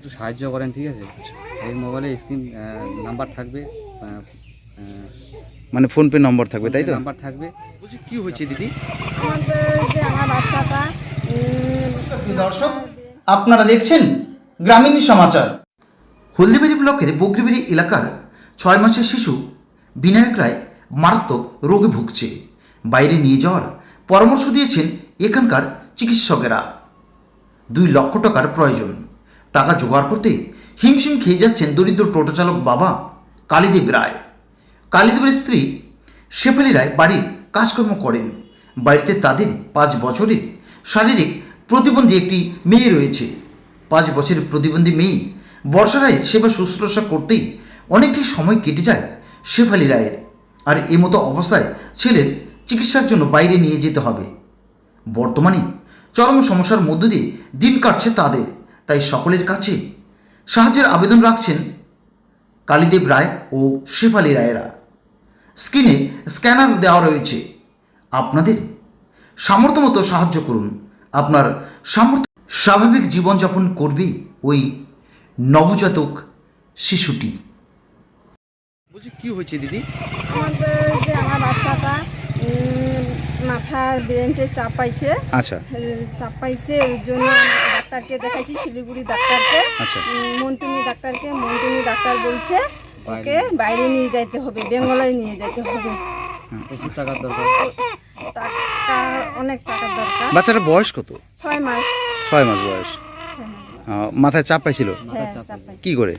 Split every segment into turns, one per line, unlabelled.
একটু সাহায্য করেন, ঠিক আছে? এই মোবাইলে স্ক্রিন নাম্বার থাকবে,
মানে ফোনপে নম্বর থাকবে, তাই তো?
নাম্বার থাকবে।
বলছি কি হয়েছে দিদি?
আমাদের যে আমার বাচ্চাটা
দর্শক, আপনারা দেখছেন গ্রামীণ সমাচার। হলদিবাড়ি ব্লকের বগরিবাড়ি এলাকার 6 মাসের শিশু বিনায়ক রায় মারাত্মক রোগে ভুগছে। বাইরে নিয়ে যাওয়ার পরামর্শ দিয়েছেন এখানকার চিকিৎসকেরা। 2 লক্ষ টাকার প্রয়োজন। টাকা জোগাড় করতে হিমশিম খেয়ে যাচ্ছেন দরিদ্র টোটো চালক বাবা কালীদেব রায়। কালীদেবের স্ত্রী শেফালি রায় বাড়ির কাজকর্ম করেন। বাড়িতে তাদের 5 বছরের শারীরিক প্রতিবন্ধী একটি মেয়ে রয়েছে। 5 বছরের প্রতিবন্ধী মেয়ে বর্ষা রায় সেবা শুশ্রূষা করতেই অনেকটি সময় কেটে যায় শেফালি রায়ের। আর এমতো অবস্থায় ছেলের চিকিৎসার জন্য বাইরে নিয়ে যেতে হবে। বর্তমানে চরম সমস্যার মধ্য দিয়ে দিন কাটছে তাদের। তাই সকলের কাছে সাহায্যের আবেদন রাখছেন কালীদেব রায় ও শেফালি রায়েরা। স্ক্রিনে স্ক্যানার দেওয়া রয়েছে। আপনাদের সামর্থ্য মতো সাহায্য করুন। আপনার সামর্থ্য স্বাভাবিক জীবনযাপন করবে ওই নবজাতক শিশুটি।
বলছি কি হয়েছে দিদি?
আমাদের যে আমার বাচ্চাটা মাথার ব্রেনটে চাপ পাইছে।
আচ্ছা
চাপ পাইছে, ওই জন্য ডাক্তারকে দেখাইছি, শিলিগুড়ি ডাক্তারকে,
আচ্ছা
মন্টুনি ডাক্তারকে। মন্টুনি ডাক্তার বলছে ওকে বাইরে নিয়ে যাইতে হবে, বেঙ্গলায় নিয়ে যেতে হবে।
প্রচুর টাকার দরকার।
টাকা, অনেক টাকার দরকার।
বাচ্চাটার বয়স কত?
6 মাস।
6 মাস বয়স। মাথায় চাপ পাইছিল
হ্যাঁ, চাপ পাইছে।
কি করে?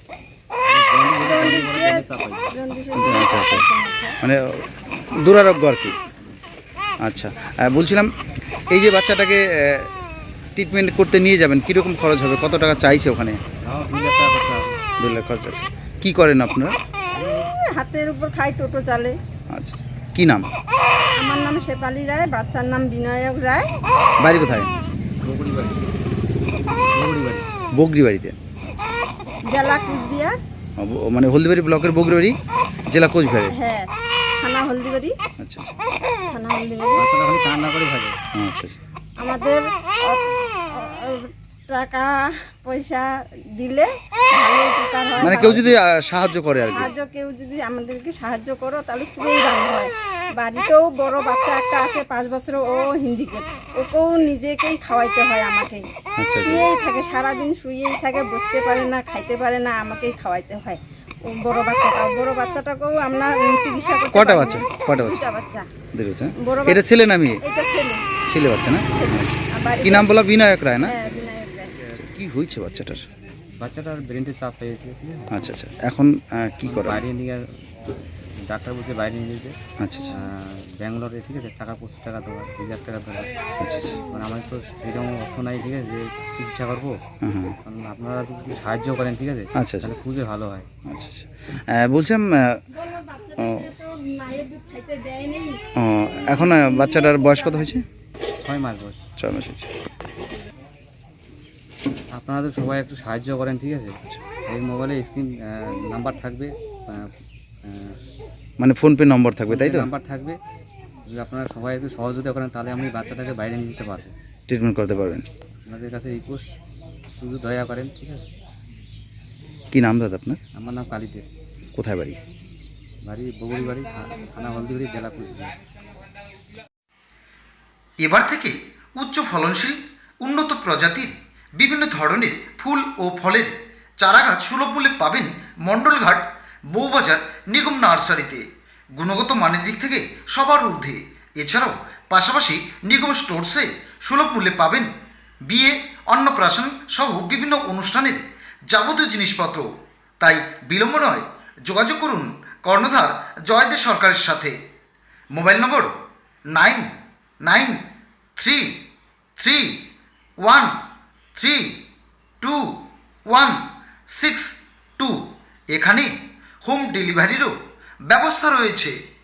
জন্ডিসে
আচ্ছা আচ্ছা, মানে দুরারোগ্য আর কি। আচ্ছা, বলছিলাম এই যে বাচ্চাটাকে ট্রিটমেন্ট করতে নিয়ে যাবেন, কীরকম খরচ হবে? কত টাকা চাইছে ওখানে?
2 লাখ টাকা খরচা হবে।
2 লাখ খরচ আছে। কী করেন আপনারা?
হাতের উপর খাই, টোটো চালে।
আচ্ছা, কি নাম?
আমার নাম শেফালি রায়, বাচ্চার নাম বিনায়ক রায়।
বাড়ি কোথায়?
বগরিবাড়ি।
বগরিবাড়িতে।
জেলা কুচবিহার।
মানে হলদিবাড়ি ব্লকের বগরিবাড়ি, জেলা কোচবিহারে।
হ্যাঁ, থানা হলদিবাড়ি।
আচ্ছা আচ্ছা
থানা হলদিবাড়ি।
বাচ্চাটা খালি কান্না করে থাকে।
আচ্ছা আচ্ছা।
আমাদের টাকা পয়সা দিলে ভালো উপকার হয়।
মানে কেউ যদি সাহায্য করে আর কি।
কেউ যদি আমাদেরকে সাহায্য করো তাহলে খুবই ভালো হয়। বাড়িতেও বড় বাচ্চা একটা আছে 5 বছর, ও হিন্দিকে, ওকেও নিজেকেই খাওয়াইতে হয় আমাকেই।
আচ্ছা।
শুয়েই থাকে, সারাদিন শুয়েই থাকে, বসতে পারে না, খাইতে পারে না, আমাকেই খাওয়াইতে হয়। ও বড় বাচ্চাটাকেও আমরা চিকিৎসা করতে
কটা
পারি
বাচ্চা?
না।
কটা বাচ্চা?
2টা বাচ্চা।
দেখেছে
বড়
এটা ছেলে না মেয়ে?
এটা ছেলে।
ছেলে বাচ্চা না?
আর বাড়িতে-
কি নাম বলা? বিনায়ক রায় না?
হ্যাঁ, বিনায়ক রায়।
কি হয়েছে বাচ্চাটার?
বাচ্চাটার ব্রেনতে চাপ পেয়েছে, ঠিক আছে?
আচ্ছা আচ্ছা, এখন কি করা?
বাইরে নিয়ে ডাক্তার বলছে বাইরে নিয়ে যেতে।
আচ্ছা আচ্ছা
ব্যাঙ্গালোরে, ঠিক আছে, টাকা 25 টাকা দেওয়া, 2 লাখ টাকা দেওয়া।
আচ্ছা আচ্ছা।
মানে আমার তো সেরকম অর্থ নাই, ঠিক আছে, যে চিকিৎসা করবো।
হ্যাঁ হ্যাঁ।
কারণ আপনারা যদি সাহায্য করেন, ঠিক আছে,
আচ্ছা আচ্ছা
তাহলে খুবই ভালো হয়।
আচ্ছা আচ্ছা। বলছিলাম
মায়ের দুধ খাইতে দেয় নেই।
এখন বাচ্চাটার বয়স কত হয়েছে?
6 মাস বয়স।
6 মাস হয়েছে।
আপনারা তো সবাই একটু সাহায্য করেন, ঠিক আছে? এই মোবাইলে স্ক্রিন নাম্বার থাকবে,
মানে ফোনপে নম্বর থাকবে, তাই তো?
নাম্বার থাকবে। যদি আপনারা সবাই একটু সহযোগিতা করেন তাহলে আমি বাচ্চাটাকে বাইরে নিয়ে যেতে পারবো।
ট্রিটমেন্ট করতে পারবেন।
আপনাদের কাছে রিকোয়েস্ট, শুধু দয়া করেন, ঠিক আছে?
কি নাম দাদা আপনার?
আমার নাম কালীদেব।
কোথায় বাড়ি?
বাড়ি বগরিবাড়ি, থানা হলদিবাড়ি, জেলা কুচবিহার।
এবার থেকে উচ্চ ফলনশীল উন্নত প্রজাতির বিভিন্ন ধরনের ফুল ও ফলের চারাগাছ সুলভ মূল্যে পাবেন মণ্ডলঘাট বউবাজার নিগম নার্সারিতে। গুণগত মানের দিক থেকে সবার ঊর্ধ্বে। এছাড়াও পাশাপাশি নিগম স্টোরসে সুলভ মূল্যে পাবেন বিয়ে, অন্নপ্রাশন সহ বিভিন্ন অনুষ্ঠানের যাবতীয় জিনিসপত্র। তাই বিলম্ব নয়, যোগাযোগ করুন কর্ণধার জয়দেব সরকারের সাথে। Mobile number 999331326162। এখানে হোম ডেলিভারিরও ব্যবস্থা রয়েছে।